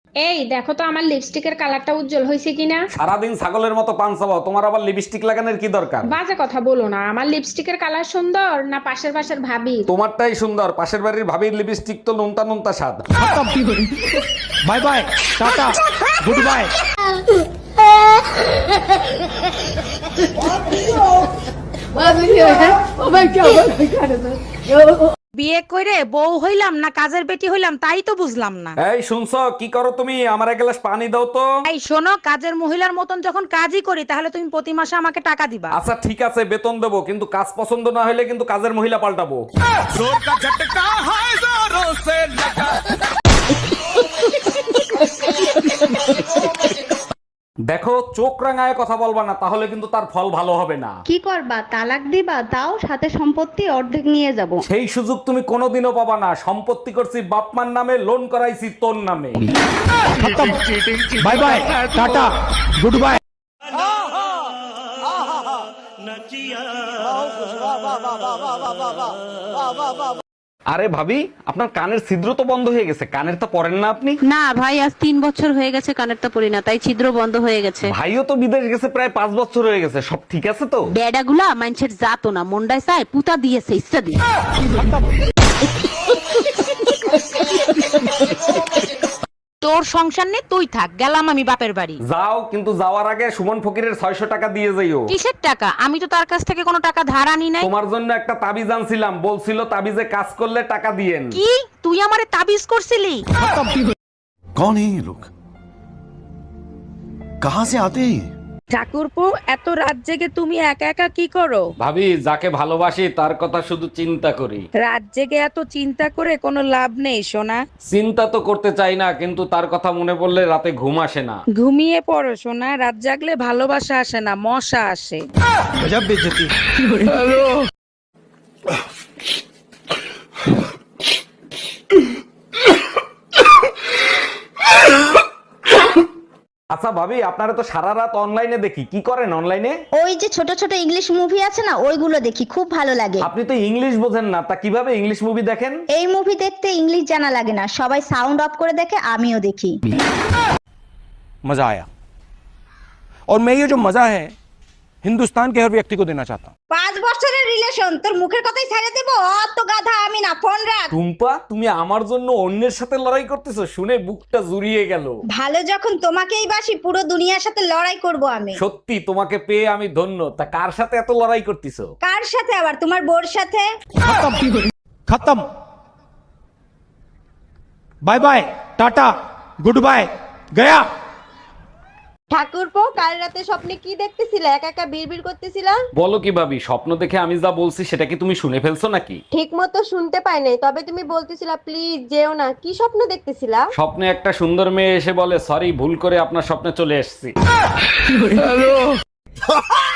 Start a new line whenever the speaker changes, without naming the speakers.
এই দেখো তো আমার লিপস্টিকের কালারটা উজ্জ্বল হয়েছে কিনা।
সারাদিন ছাগলের মতো পান চাবাও, তোমার আবার লিপস্টিক লাগানোর কি দরকার?
বাজে কথা বলো না, আমার লিপস্টিকের কালার সুন্দর না পাশের পাশের ভাবি?
তোমারটাই সুন্দর, পাশের বাড়ির ভাবির লিপস্টিক তো নুনতা নুনতা স্বাদ।
Bye bye, tata, goodbye.
বিয়ে করে বউ হইলাম না কাজের বেটি হইলাম তাই তো বুঝলাম না।
এই শুনছো, কি করো তুমি? আমার এক গ্লাস পানি দাও তো।
এই শোনো, কাজের মহিলার মতন যখন কাজই করি তাহলে তুমি প্রতি মাসে আমাকে টাকা দিবা।
আচ্ছা ঠিক আছে, বেতন দেবো, কিন্তু কাজ পছন্দ না হলে কিন্তু কাজের মহিলা পাল্টাবো। দেখো, চোখ রাঙায় কথা বলবা না, তাহলে কিন্তু তার ফল ভালো হবে না।
কি করবা, তালাক দিবা? তাও সাথে সম্পত্তি অর্ধেক নিয়ে যাব।
সেই সুযোগ তুমি কোনোদিনও পাবা না। সম্পত্তি করছি বাপমার নামে, লোন করাইছি তোর নামে।
Bye bye, tata, goodbye.
আরে ভাবি, আপনার কানের ছিদ্র তো বন্ধ হয়ে গেছে, কানের তো পরেন না আপনি?
না ভাই, আজ 3 বছর হয়ে গেছে কানেরটা পরি না, তাই ছিদ্র বন্ধ হয়ে গেছে।
ভাইও তো বিদেশ গেছে প্রায় 5 বছর হয়ে গেছে, সব ঠিক আছে তো?
বেডাগুলা মানুষের জাতো না, মন্ডায় চায় পুতা দিয়েছে ইচ্ছা দিয়ে।
তোর সংসার নে, তুই থাক, গেলাম আমি বাপের বাড়ি।
যাও, কিন্তু যাওয়ার আগে সুমন ফকিরের 600 টাকা দিয়ে যাইও।
কিসের টাকা? আমি তো তার কাছ থেকে কোনো টাকা ধার আনি নাই।
তোমার জন্য একটা তাবিজ আনছিলাম, বলছিল তাবিজে কাজ করলে টাকা দিয়েন।
কি তুই আমারে তাবিজ করছিলি?
कौन है ये लोग? कहां से आते हैं ये?
ঠাকুরপো, এত রাত জেগে তুমি একা একা কি করো?
ভাবি, যাকে ভালোবাসি তার কথা শুধু চিন্তা করি।
রাত জেগে এত চিন্তা করে কোনো লাভ নেই সোনা।
চিন্তা তো করতে চাই না, কিন্তু তার কথা মনে পড়লে রাতে ঘুম আসে না।
ঘুমিয়ে পড়ো সোনা, রাত জাগলে ভালোবাসা আসে না, মশা আসে।
গজব বেইজ্জতি।
আচ্ছা ভাবি, আপনারা তো সারা রাত অনলাইনে দেখি, কি করেন অনলাইনে?
ওই যে ছোট ছোট ইংলিশ মুভি আছে না, ওইগুলো দেখি, খুব ভালো লাগে।
আপনি তো ইংলিশ বোঝেন না, তা কিভাবে ইংলিশ মুভি দেখেন?
এই মুভি দেখতে ইংলিশ জানা লাগে না, সবাই সাউন্ড অফ করে দেখে, আমিও দেখি।
मजा आया और मैं ये जो मजा है हिंदुस्तान के हर व्यक्ति को देना चाहता हूँ।
5 বছরের রিলেশন, তোর মুখের কথাই ছেড়ে দেব? অত গাধা আমি না, ফোন রাখ।
টুম্পা, তুমি আমার জন্য অন্যের সাথে লড়াই করতেছো, শুনে বুকটা জুড়িয়ে গেল।
ভালো যখন তোমাকেই বাসি, পুরো দুনিয়ার সাথে লড়াই করব আমি।
সত্যি তোমাকে পেয়ে আমি ধন্য। তা কার সাথে এত লড়াই করতেছো?
কার সাথে আবার? তোমার বোর সাথে।
खत्म, bye bye, tata, goodbye, गया।
ঠাকুরপো, কাল রাতে স্বপ্নে কি দেখতেছিলে? একা একা বিড়বিড় করতেছিলা?
বলো কি ভাবি, স্বপ্ন দেখে আমি যা বলছি সেটা কি তুমি শুনে ফেলছো নাকি?
ঠিক মতো শুনতে পাই নাই, তবে তুমি বলতেছিলা প্লিজ যেও না। কি স্বপ্ন দেখতেছিলা?
স্বপ্নে একটা সুন্দর মেয়ে এসে বলে, সরি, ভুল করে আপনার স্বপ্নে চলে এসেছি।